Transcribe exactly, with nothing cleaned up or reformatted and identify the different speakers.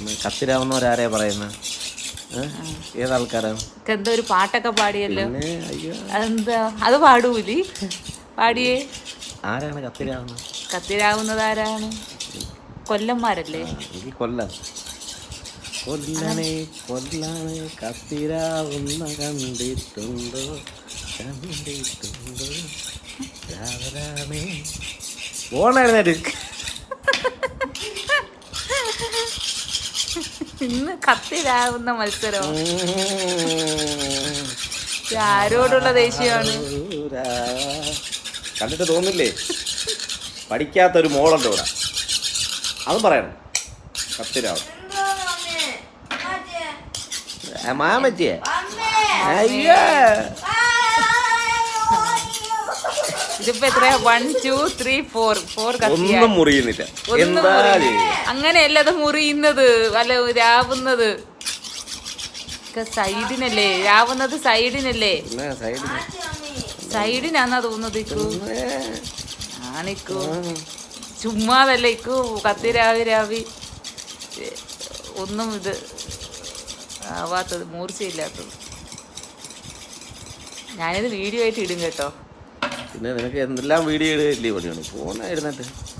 Speaker 1: കത്തിരാവുന്നവരാരെയാ പറയുന്നത്? ഏതാൾക്കാരാണ്?
Speaker 2: എന്തോ ഒരു പാട്ടൊക്കെ പാടിയല്ലോ.
Speaker 1: അയ്യോ
Speaker 2: അതെന്താ അത് പാടൂലി? പാടിയേ.
Speaker 1: ആരാണ് കത്തിരാവുന്നത്?
Speaker 2: കത്തിരാവുന്നത് ആരാണ്? കൊല്ലന്മാരല്ലേ?
Speaker 1: എനിക്ക് കൊല്ലം. കൊല്ലണേ കൊല്ലാണ് കത്തിരാവുന്ന കണ്ടിട്ടുണ്ടോ കണ്ടിട്ടുണ്ടോ രാവരാമേ ഓണായിരുന്നേര്.
Speaker 2: ഇന്ന് കത്തിരാവുന്ന മത്സരം. ആരോടുള്ള ദേഷ്യമാണ്?
Speaker 1: കണ്ടിട്ട് തോന്നില്ലേ? പഠിക്കാത്തൊരു മോളുണ്ട് ഇവിടെ, അതും പറയണം. കത്തിരാവും മാമച്ചിയെ. അയ്യോ
Speaker 2: ഇതിപ്പോ എത്രയാ? One two three four four
Speaker 1: ഒന്നും മുറിയുന്നില്ല. എന്താ
Speaker 2: അങ്ങനെയല്ല അത് മുറിയുന്നത്, അല്ല രാവുന്നത് സൈഡിനല്ലേ? രാവുന്നത് സൈഡിനല്ലേ? സൈഡിനാന്നാ തോന്നുന്നത്. ആണിക്കു ചുമ്മാതല്ല ഇക്കു കത്തിരാവി രാവി ഒന്നും ഇത് ആവാത്തത്, മൂർച്ചയില്ലാത്തത്. ഞാനിത് വീഡിയോ ആയിട്ട് ഇടും കേട്ടോ.
Speaker 1: പിന്നെ നിനക്ക് എന്തെല്ലാം വീഡിയോ ഇടുകയല്ലേ പണിയാണ്? ഫോണായിരുന്നിട്ട്